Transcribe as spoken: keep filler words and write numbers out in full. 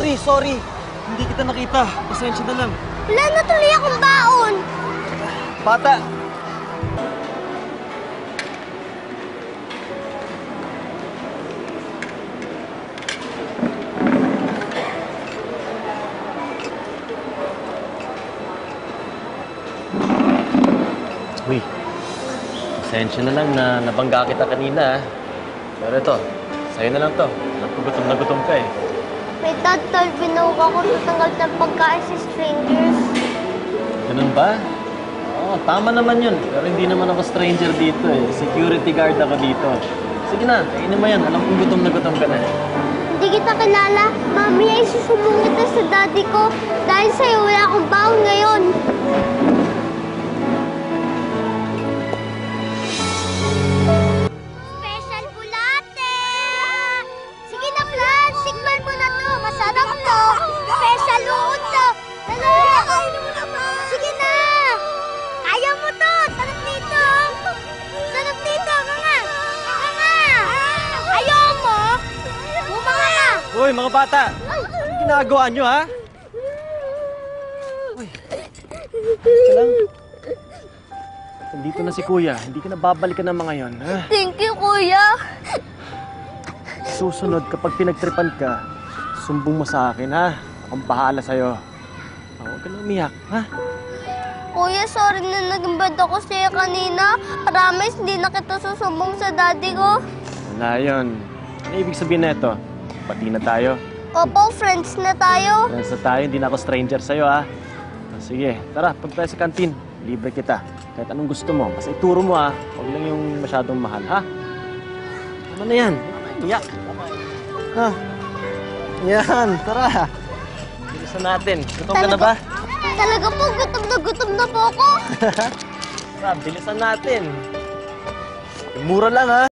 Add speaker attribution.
Speaker 1: sorry, sorry. Hindi kita nakita. Pasensya na lang.
Speaker 2: Wala na tuloy akong baon.
Speaker 1: Bata! Uy, pasensya na lang na nabangga kita kanina. Pero ito, sa'yo na lang to. Alam ko gutom na gutom ka eh.
Speaker 2: May dad, tol, binuka ko tatanggal ng pagkain sa strangers.
Speaker 1: Ganun ba? Oo, tama naman yun. Pero hindi naman ako stranger dito eh. Security guard ako dito. Sige na, kainin mo yan. Alam kong gutom na gutom ka na.
Speaker 2: Hindi kita kilala. Mami ay susumbong kita sa daddy ko. Dahil sa'yo, wala akong baon ngayon. Special bulate! Sige na, Flan. Sigman mo na to. Masarap to. Special uod to. Dala! Kainin mo naman. Sige na. Kaya mo to. Sarap dito. Sarap dito. Mga. Mga. Ayaw mo? Bumanga na.
Speaker 1: Uy, mga bata! Ano ginagawa nyo, ha? Uy, teka lang. Nandito na si Kuya. Hindi ka na babalikan ng mga yon, ha?
Speaker 2: Thank you, Kuya.
Speaker 1: Susunod, kapag pinagtripan ka, sumbong mo sa akin, ha? Akong bahala sa'yo. Oh, huwag ka na umiyak, ha?
Speaker 2: Kuya, sorry na naging bad ako sa'yo kanina. Promise, hindi na kita susumbong sa daddy ko.
Speaker 1: Wala yun. Ano ibig sabihin na ito? Pati na tayo.
Speaker 2: Opo, friends na tayo.
Speaker 1: Friends na tayo, hindi na ako stranger sa'yo, ha? Oh, sige, tara, punta tayo sa kantin. Libre kita. Kahit anong gusto mo. Basta ituro mo, ha? Huwag lang yung masyadong mahal, ha? Ano na yan? Iyak. Ha? Yan, tara. Bilisan natin. Gutom ka na ba?
Speaker 2: Talaga po, gutom na gutom na po ako.
Speaker 1: Tara, bilisan natin. Mura lang, ha?